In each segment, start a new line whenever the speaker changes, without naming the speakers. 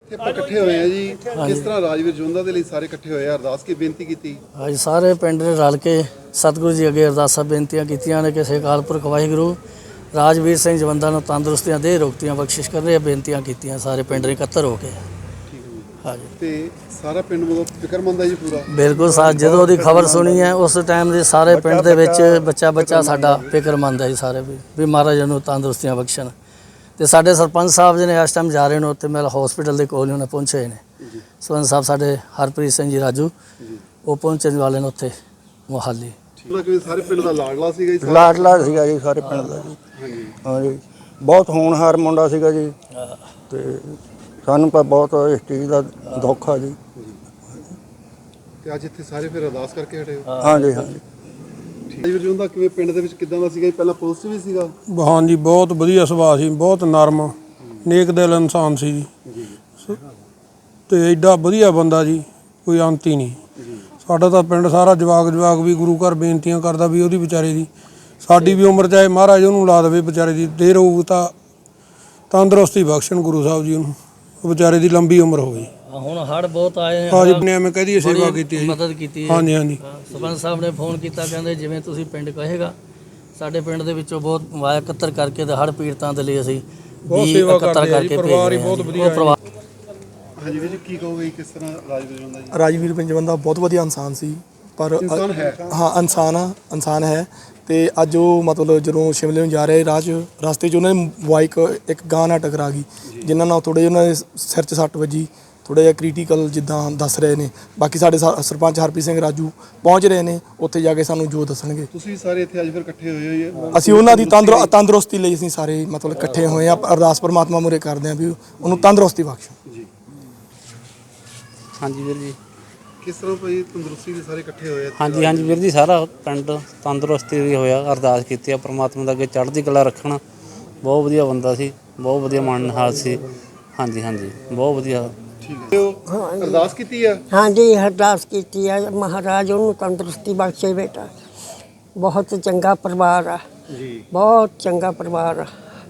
ਆਪਾਂ ਇਕੱਠੇ ਹੋਏ ਆ ਜੀ। ਕਿਸ ਤਰ੍ਹਾਂ ਰਾਜਵੀਰ ਜੋਂਦਾ ਦੇ ਲਈ ਸਾਰੇ ਇਕੱਠੇ ਹੋਏ ਆ, ਅਰਦਾਸ ਕੀ ਬੇਨਤੀ ਕੀਤੀ?
ਅੱਜ ਸਾਰੇ ਪਿੰਡ ਨੇ ਰਲ ਕੇ ਸਤਿਗੁਰੂ ਜੀ ਅੱਗੇ ਅਰਦਾਸਾਂ ਬੇਨਤੀਆਂ ਕੀਤੀਆਂ ਨੇ ਕਿ ਅਕਾਲ ਪੁਰਖ ਵਾਹਿਗੁਰੂ ਰਾਜਵੀਰ ਸਿੰਘ ਜਵੰਦਾ ਨੂੰ ਤੰਦਰੁਸਤੀਆਂ ਦੇ ਰੋਗਤੀਆਂ ਬਖਸ਼ਿਸ਼ ਕਰ ਰਹੇ ਬੇਨਤੀਆਂ ਕੀਤੀਆਂ ਸਾਰੇ ਪਿੰਡ ਨੇ ਇਕੱਤਰ ਹੋ ਕੇ। ਹਾਂਜੀ
ਤੇ ਸਾਰਾ ਪਿੰਡ ਮਤਲਬ ਫਿਕਰਮੰਦ ਹੈ ਜੀ ਪੂਰਾ?
ਬਿਲਕੁਲ ਜਦੋਂ ਉਹਦੀ ਖਬਰ ਸੁਣੀ ਹੈ ਉਸ ਟਾਈਮ ਦੇ ਸਾਰੇ ਪਿੰਡ ਦੇ ਵਿੱਚ ਬੱਚਾ ਸਾਡਾ ਫਿਕਰਮੰਦ ਹੈ ਜੀ ਸਾਰੇ ਵੀ ਮਹਾਰਾਜ ਨੂੰ ਤੰਦਰੁਸਤੀਆਂ ਬਖਸ਼ਣ। ਤੇ ਸਾਡੇ ਸਰਪੰਚ ਸਾਹਿਬ ਜੀ ਨੇ ਇਸ ਟਾਈਮ ਜਾ ਰਹੇ ਨੇ ਉੱਥੇ ਮੇਰਾ ਹਸਪੀਟਲ ਦੇ ਕੋਲ ਉਹਨੇ ਪਹੁੰਚੇ ਨੇ। ਸਰਪੰਚ ਸਾਹਿਬ ਸਾਡੇ ਹਰਪ੍ਰੀਤ ਸਿੰਘ ਜੀ ਰਾਜੂ ਉਹ ਪਹੁੰਚਣ ਵਾਲੇ ਨੇ ਉੱਥੇ ਮੁਹਾਲੀ।
ਸਾਰੇ ਪਿੰਡ ਦਾ ਲਾਡਲਾ ਸੀਗਾ ਜੀ?
ਲਾਡਲਾ ਸੀਗਾ ਜੀ ਸਾਰੇ ਪਿੰਡ ਦਾ ਜੀ। ਹਾਂਜੀ ਬਹੁਤ ਹੋਣਹਾਰ ਮੁੰਡਾ ਸੀਗਾ ਜੀ ਤੇ ਸਾਨੂੰ ਤਾਂ ਬਹੁਤ ਇਸ ਚੀਜ਼ ਦਾ ਦੁੱਖ ਆ ਜੀ।
ਤੇ ਅੱਜ ਇੱਥੇ ਸਾਰੇ ਫਿਰ ਅਰਦਾਸ ਕਰਕੇ ਹਟੇ ਹੋ?
ਹਾਂਜੀ ਹਾਂਜੀ।
ਰਾਜਵੀਰ ਜੋਂਦਾ ਕਿਵੇਂ ਪਿੰਡ ਦੇ ਵਿੱਚ ਕਿੱਦਾਂ ਦਾ ਸੀਗਾ? ਪਹਿਲਾਂ ਪੁਲਿਸ ਵੀ ਸੀਗਾ?
ਹਾਂਜੀ ਬਹੁਤ ਵਧੀਆ ਸੁਭਾਅ ਸੀ, ਬਹੁਤ ਨਰਮ ਨੇਕ ਦਿਲ ਇਨਸਾਨ ਸੀ ਜੀ ਤੇ ਐਡਾ ਵਧੀਆ ਬੰਦਾ ਜੀ, ਕੋਈ ਅੰਤ ਹੀ ਨਹੀਂ। ਸਾਡਾ ਤਾਂ ਪਿੰਡ ਸਾਰਾ ਜਵਾਕ ਵੀ ਗੁਰੂ ਘਰ ਬੇਨਤੀਆਂ ਕਰਦਾ ਵੀ ਉਹਦੀ ਵਿਚਾਰੇ ਦੀ ਸਾਡੀ ਵੀ ਉਮਰ ਚਾਹੇ ਮਹਾਰਾਜ ਉਹਨੂੰ ਲਾ ਦੇਵੇ ਵਿਚਾਰੇ ਦੀ ਦੇਰ ਹੋਊ ਤਾਂ ਤੰਦਰੁਸਤੀ ਬਖਸ਼ਣ ਗੁਰੂ ਸਾਹਿਬ ਜੀ ਉਹਨੂੰ, ਉਹ ਵਿਚਾਰੇ ਦੀ ਲੰਬੀ ਉਮਰ ਹੋਵੇ।
ਹੁਣ ਹੜ੍ਹ ਬਹੁਤ ਆਏ ਨੇ।
ਹਾਂਜੀ ਨੇ ਮੈਂ ਕਹਦੀ ਸੇਵਾ ਕੀਤੀ,
ਮਦਦ ਕੀਤੀ।
ਹਾਂਜੀ ਹਾਂਜੀ।
ਸਰਪੰਚ ਸਾਹਿਬ ਨੇ ਫੋਨ ਕੀਤਾ, ਕਹਿੰਦੇ ਜਿਵੇਂ ਤੁਸੀਂ ਪਿੰਡ ਕਹੇਗਾ। ਸਾਡੇ ਪਿੰਡ ਦੇ ਵਿੱਚੋਂ ਬਹੁਤ ਵਾਇਆ ਇਕੱਤਰ ਕਰਕੇ ਤੇ ਹੜ੍ਹ ਪੀੜਤਾਂ ਦੇ ਲਈ ਅਸੀਂ
ਬਹੁਤ ਸੇਵਾ ਕਰਦੇ ਹਾਂ ਜੀ, ਪਰਿਵਾਰ ਹੀ ਬਹੁਤ ਵਧੀਆ ਹੈ।
ਹਾਂਜੀ ਵੀਰ ਜੀ ਕੀ ਕਹੋਗੇ ਕਿਸ ਤਰ੍ਹਾਂ ਰਾਜਵੀਰ ਜੋਂਦਾ ਜੀ?
ਰਾਜਵੀਰ ਜਵੰਦਾ ਬਹੁਤ ਵਧੀਆ ਇਨਸਾਨ ਸੀ, ਪਰ
ਇਨਸਾਨ ਹੈ।
ਹਾਂ ਇਨਸਾਨ ਹੈ। ਤੇ ਅੱਜ ਉਹ ਮਤਲਬ ਜਦੋਂ ਸ਼ਿਮਲੇ ਨੂੰ ਜਾ ਰਹੇ ਰਸਤੇ 'ਚ ਉਹਨਾਂ ਦੀ ਬਾਈਕ ਇੱਕ ਗਾਂ ਨਾਲ ਟਕਰਾ ਗਈ, ਜਿਨ੍ਹਾਂ ਨਾਲ ਥੋੜ੍ਹੇ ਜਿਹੇ ਉਹਨਾਂ ਦੇ ਸਿਰ 'ਚ ਸੱਟ ਵੱਜੀ, ਥੋੜ੍ਹਾ ਜਿਹਾ ਕ੍ਰਿਟੀਕਲ ਜਿੱਦਾਂ ਦੱਸ ਰਹੇ ਨੇ। ਬਾਕੀ ਸਾਡੇ ਸਰਪੰਚ ਹਰਪ੍ਰੀਤ ਸਿੰਘ ਰਾਜੂ ਪਹੁੰਚ ਰਹੇ ਨੇ, ਉੱਥੇ ਜਾ ਕੇ ਸਾਨੂੰ ਜੋ ਦੱਸਣਗੇ।
ਤੁਸੀਂ ਸਾਰੇ ਇੱਥੇ ਅੱਜ ਫਿਰ ਇਕੱਠੇ ਹੋਏ ਹੋ?
ਅਸੀਂ ਉਹਨਾਂ ਦੀ ਤੰਦਰੁਸਤੀ ਲਈ ਅਸੀਂ ਸਾਰੇ ਮਤਲਬ ਇਕੱਠੇ ਹੋਏ ਹਾਂ। ਅਰਦਾਸ ਪਰਮਾਤਮਾ ਮੂਹਰੇ ਕਰਦੇ ਹਾਂ ਵੀ ਉਹਨੂੰ ਤੰਦਰੁਸਤੀ ਬਖਸ਼ੋ ਜੀ।
ਹਾਂਜੀ ਵੀਰ ਜੀ।
ਕਿਸ ਤਰ੍ਹਾਂ ਭਾਈ ਤੰਦਰੁਸਤੀ ਦੇ ਸਾਰੇ ਇਕੱਠੇ ਹੋਏ?
ਹਾਂਜੀ ਵੀਰ ਜੀ, ਸਾਰਾ ਪਿੰਡ ਤੰਦਰੁਸਤੀ ਦੀ ਹੋਇਆ, ਅਰਦਾਸ ਕੀਤੀ ਆ ਪਰਮਾਤਮਾ ਦਾ ਅੱਗੇ ਚੜ੍ਹਦੀ ਕਲਾ ਰੱਖਣਾ। ਬਹੁਤ ਵਧੀਆ ਬੰਦਾ ਸੀ, ਬਹੁਤ ਵਧੀਆ ਮਨਹਾਲ ਸੀ। ਹਾਂਜੀ ਬਹੁਤ ਵਧੀਆ।
ਠੀਕ ਹੈ। ਅਰਦਾਸ ਕੀਤੀ ਆ?
ਹਾਂਜੀ ਅਰਦਾਸ ਕੀਤੀ ਆ, ਮਹਾਰਾਜ ਉਹਨੂੰ ਤੰਦਰੁਸਤੀ ਬਖਸ਼ੇ ਬੇਟਾ। ਬਹੁਤ ਚੰਗਾ ਪਰਿਵਾਰ ਆ ਜੀ, ਬਹੁਤ ਚੰਗਾ ਪਰਿਵਾਰ ਆ।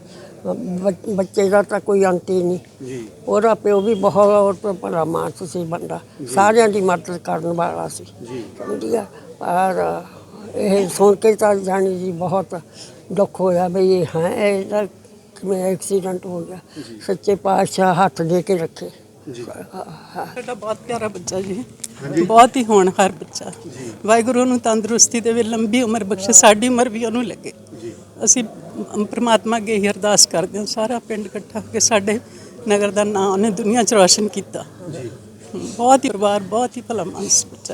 ਬੱਚੇ ਦਾ ਤਾਂ ਕੋਈ ਅੰਤ ਹੀ ਨਹੀਂ ਜੀ। ਉਹਦਾ ਪਿਓ ਵੀ ਬਹੁਤ ਭਲਾ ਮਾਨਸ ਸੀ ਬੰਦਾ, ਸਾਰਿਆਂ ਦੀ ਮਦਦ ਕਰਨ ਵਾਲਾ ਸੀ ਜੀ। ਵਧੀਆ। ਪਰ ਇਹ ਸੁਣ ਕੇ ਤਾਂ ਜਾਣੀ ਜੀ ਬਹੁਤ ਦੁੱਖ ਹੋਇਆ ਵੀ ਇਹ ਇਹਦਾ ਕਿਵੇਂ ਐਕਸੀਡੈਂਟ ਹੋ ਗਿਆ। ਸੱਚੇ ਪਾਤਸ਼ਾਹ ਹੱਥ ਦੇ ਕੇ ਰੱਖੇ।
ਸਾਡਾ ਬਹੁਤ ਪਿਆਰਾ ਬੱਚਾ ਜੀ, ਬਹੁਤ ਹੀ ਹੋਣਹਾਰ ਬੱਚਾ। ਵਾਹਿਗੁਰੂ ਨੂੰ ਤੰਦਰੁਸਤੀ ਦੇਵੇ, ਲੰਬੀ ਉਮਰ ਬਖਸ਼ੇ, ਸਾਡੀ ਉਮਰ ਵੀ ਉਹਨੂੰ ਲੱਗੇ। ਅਸੀਂ ਪ੍ਰਮਾਤਮਾ ਅੱਗੇ ਹੀ ਅਰਦਾਸ ਕਰਦੇ ਹਾਂ, ਸਾਰਾ ਪਿੰਡ ਇਕੱਠਾ ਹੋ ਕੇ। ਸਾਡੇ ਨਗਰ ਦਾ ਨਾਂ ਉਹਨੇ ਦੁਨੀਆ 'ਚ ਰੌਸ਼ਨ ਕੀਤਾ। ਬਹੁਤ ਹੀ ਪਰਿਵਾਰ, ਬਹੁਤ ਹੀ ਭਲਾ ਮਾਨਸ ਬੱਚਾ।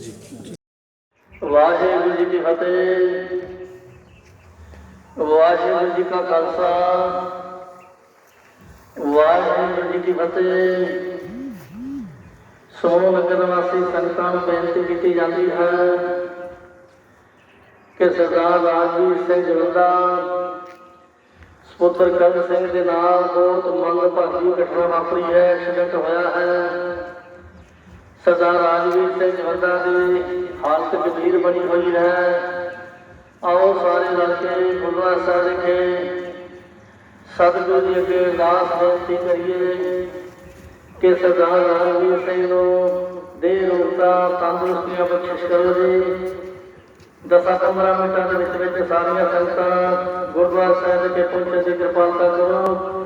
ਵਾਹਿਗੁਰੂ ਜੀ ਕੀ ਫਤਿਹ। ਵਾਹਿਗੁਰੂ ਜੀ ਕਾ ਖਾਲਸਾ, ਵਾਹਿਗੁਰੂ ਜੀ ਕੀ ਫਤਿਹ। ਸੋ ਨਗਰ ਵਾਸੀ ਸੰਗਤਾਂ ਨੂੰ ਬੇਨਤੀ ਕੀਤੀ ਜਾਂਦੀ ਹੈ ਕਿ ਸਰਦਾਰ ਰਾਜਵੀਰ ਸਿੰਘ ਜਵੰਦਾ ਸਪੁੱਤਰ ਕਰਨ ਸਿੰਘ ਦੇ ਨਾਲ ਬਹੁਤ ਮੰਦਭਾਗੀ ਘਟਨਾ ਵਾਪਰੀ ਹੈ, ਐਕਸੀਡੈਂਟ ਹੋਇਆ ਹੈ। ਸਰਦਾਰ ਰਾਜਵੀਰ ਸਿੰਘ ਜਵੰਦਾ ਦੀ ਹਾਲਤ ਗੰਭੀਰ ਬਣੀ ਹੋਈ ਹੈ। ਆਓ ਸਾਰੇ ਰਲ ਕੇ ਗੁਰਦੁਆਰਾ ਸਾਹਿਬ ਵਿਖੇ ਸਤਿਗੁਰੂ ਜੀ ਅੱਗੇ ਅਰਦਾਸ ਬੇਨਤੀ ਕਰੀਏ ਕਿ ਸਰਦਾਰ ਰਾਜਵੀਰ ਸਿੰਘ ਨੂੰ ਦੇਹ ਰੋਗਤਾ ਤੰਦਰੁਸਤੀਆਂ ਬਖਸ਼ਿਸ਼ ਕਰੋ ਜੀ। 10-15 ਮਿੰਟਾਂ ਦੇ ਵਿੱਚ ਸਾਰੀਆਂ ਸੰਗਤਾਂ ਗੁਰਦੁਆਰਾ ਸਾਹਿਬ ਵਿਖੇ ਪਹੁੰਚਣ ਦੀ ਕਿਰਪਾਲਤਾ ਕਰੋ।